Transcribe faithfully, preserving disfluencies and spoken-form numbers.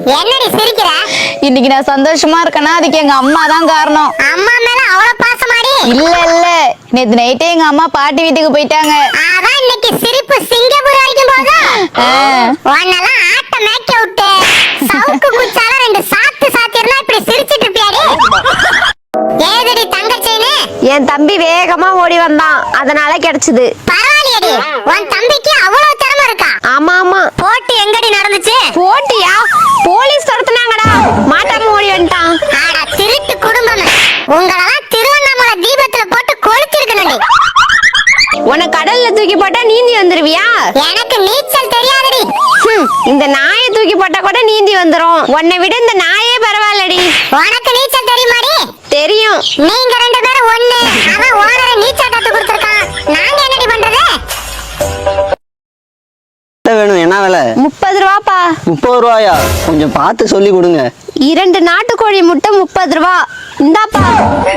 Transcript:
என்னடி சிரிக்கிற? இன்னைக்கு நான் சந்தோஷமா இருக்கேன்னா அதுக்கு எங்க அம்மா தான் காரணம். அம்மா மேல அவ்வளவு பாசமாடி? இல்ல இல்ல, நேத்து நைட்டே எங்க அம்மா பாட்டி வீட்டுக்கு போயிட்டாங்க. அதான் இன்னைக்கு சிரிப்பு சிங்கப்பூர் வரைக்கும் போகுது. உன்னெல்லாம் ஆட்ட மேய்க்க விட்டு சவுக்கு குச்சால ரெண்டு சாத்து சாத்திருந்தா இப்படி சிரிச்சிட்டு இருப்பியாடி? ஏதடி தங்கச்சேனு? என் தம்பி வேகமா ஓடி வந்தான், அதனால கிடைச்சது. பரவாயில்லையடி, உன் தம்பிக்கு அவ்வளவு திறமை இருக்கா? ஆமா ஆமா. போட்டி எங்கடி நடந்துச்சு? போட்டியா? போலீஸ் துரத்துனாங்கடா, மாட்டாம ஓடி வந்துட்டான். ஆட திருட்டு குடும்பம், உங்களெல்லாம் திருவண்ணாமலை தீபத்துல போட்டு கொளுத்திருக்கணும்டி. உன்னை கடல்ல தூக்கி போட்டா நீந்தி வந்துருவியா? எனக்கு நீச்சல் தெரியாதடி. ஹம், இந்த நாயை தூக்கி போட்டா கூட நீந்தி வந்துரும். உன்னை விட இந்த நாயே பரவாயில்லடி. உனக்கு நீச்சல் தெரியுமாடி? தெரியும். நீங்க ரெண்டு பேரும் ஒண்ணு. அவன் ஓனரை நீச்சல் கத்து கொடுத்திருக்கான், நாங்க என்னடி பண்றது? வேணும் என்ன விலை? முப்பது ரூபாப்பா. முப்பது ரூபாயா? கொஞ்சம் பார்த்து சொல்லி கொடுங்க. இரண்டு நாட்டுக்கோழி முட்டை முப்பது ரூபா. இந்தாப்பா.